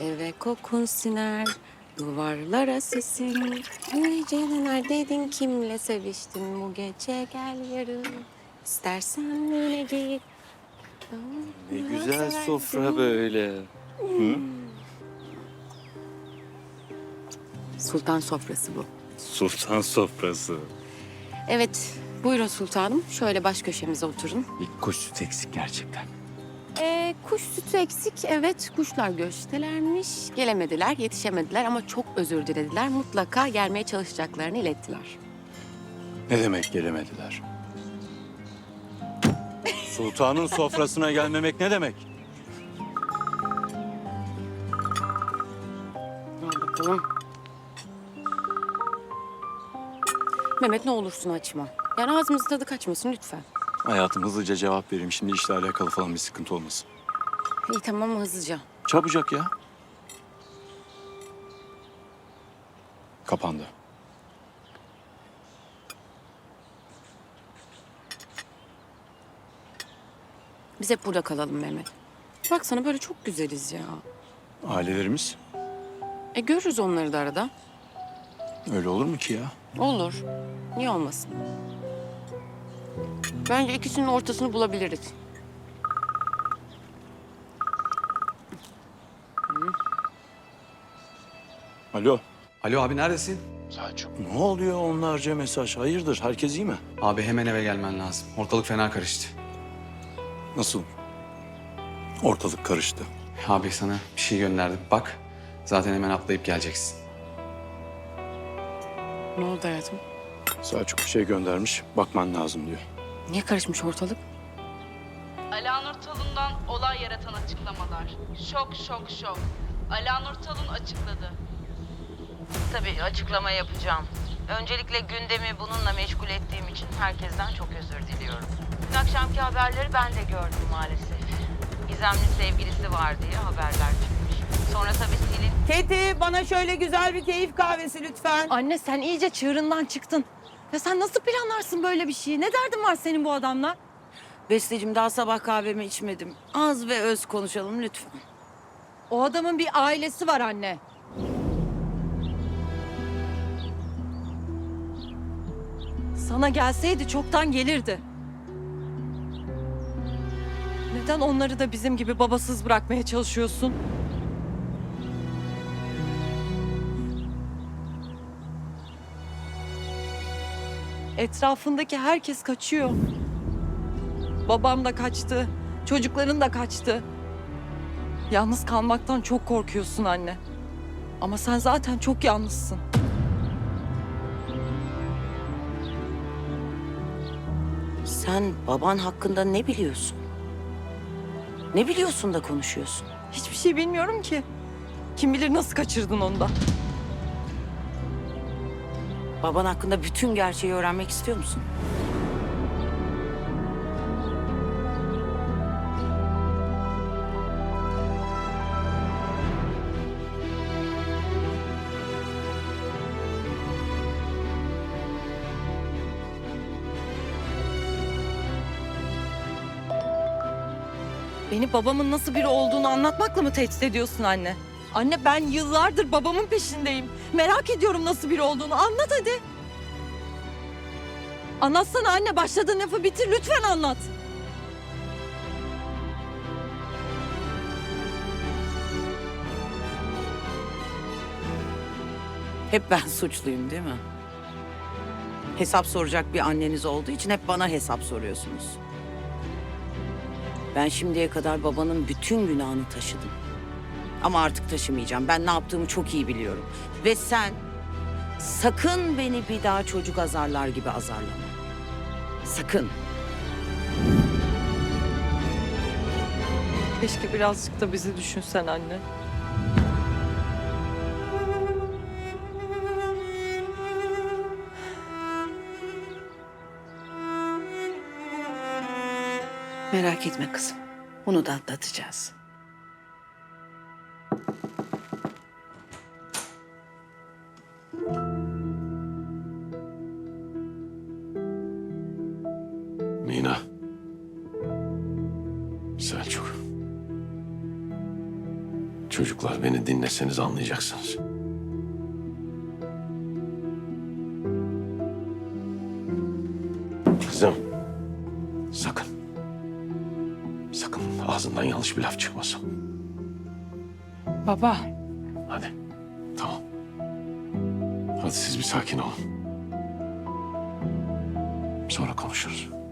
Eve kokun siner, duvarlara sesin. Gece neredeydin, kimle seviştin bu gece, gel yarın. İstersen yine git. Ne güzel sofra böyle. Hı? Sultan sofrası bu. Sultan sofrası. Evet, buyurun sultanım. Şöyle baş köşemize oturun. Bir kuş sütü eksik gerçekten. Kuş sütü eksik. Evet, kuşlar göçtelermiş. Gelemediler, yetişemediler ama çok özür dilediler. Mutlaka gelmeye çalışacaklarını ilettiler. Ne demek gelemediler? Sultanın sofrasına gelmemek ne demek? Al bakalım. Mehmet ne olursun açma. Yani ağzımızın tadı kaçmasın lütfen. Hayatım hızlıca cevap vereyim. Şimdi işle alakalı falan bir sıkıntı olmasın. İyi tamam hızlıca. Çabucak ya. Kapandı. Biz hep burada kalalım Mehmet. Baksana böyle çok güzeliz ya. Ailelerimiz Görürüz onları da arada. öyle olur mu ki ya? Olur. Niye olmasın? Bence ikisinin ortasını bulabiliriz. Alo. Alo abi neredesin? Selçuk. Ne oluyor onlarca mesaj? Hayırdır? Herkes iyi mi? Abi hemen eve gelmen lazım. Ortalık fena karıştı. Nasıl? Ortalık karıştı. Abi sana bir şey gönderdim. Bak zaten hemen atlayıp geleceksin. Ne oldu hayatım? Selçuk bir şey göndermiş. Bakman lazım diyor. Niye karışmış ortalık? Alanur Talun'dan olay yaratan açıklamalar. Şok şok şok. Alanur Talun açıkladı. Tabii açıklama yapacağım. Öncelikle gündemi bununla meşgul ettiğim için herkesten çok özür diliyorum. Dün akşamki haberleri ben de gördüm maalesef. Gizemli sevgilisi var diye haberler çıkmış. Sonra tabii Selin... Keti bana şöyle güzel bir keyif kahvesi lütfen. Anne sen iyice çığırından çıktın. Ya sen nasıl planlarsın böyle bir şeyi? Ne derdin var senin bu adamla? Besteciğim daha sabah kahvemi içmedim. Az ve öz konuşalım lütfen. O adamın bir ailesi var anne. Sana gelseydi çoktan gelirdi. Neden onları da bizim gibi babasız bırakmaya çalışıyorsun? Etrafındaki herkes kaçıyor. Babam da kaçtı, çocukların da kaçtı. Yalnız kalmaktan çok korkuyorsun anne. Ama sen zaten çok yalnızsın. Sen baban hakkında ne biliyorsun? Ne biliyorsun da konuşuyorsun? Hiçbir şey bilmiyorum ki. Kim bilir nasıl kaçırdın onu da. Baban hakkında bütün gerçeği öğrenmek istiyor musun? Beni babamın nasıl biri olduğunu anlatmakla mı tehdit ediyorsun anne? Anne ben yıllardır babamın peşindeyim. Merak ediyorum nasıl biri olduğunu. Anlat hadi. Anlatsana anne. Başladığın lafı bitir. Lütfen anlat. Hep ben suçluyum değil mi? Hesap soracak bir anneniz olduğu için hep bana hesap soruyorsunuz. Ben şimdiye kadar babanın bütün günahını taşıdım. Ama artık taşımayacağım. Ben ne yaptığımı çok iyi biliyorum. Ve sen sakın beni bir daha çocuk azarlar gibi azarlama. Sakın. Keşke birazcık da bizi düşünsen anne. Merak etme kızım. Bunu da atlatacağız. Mina. Selçuk. Çocuk Çocuklar beni dinleseniz anlayacaksınız. Kızım, sakın. Sakın ağzından yanlış bir laf çıkmasın. Baba. Hadi, tamam. Hadi siz bir sakin olun. Sonra konuşuruz.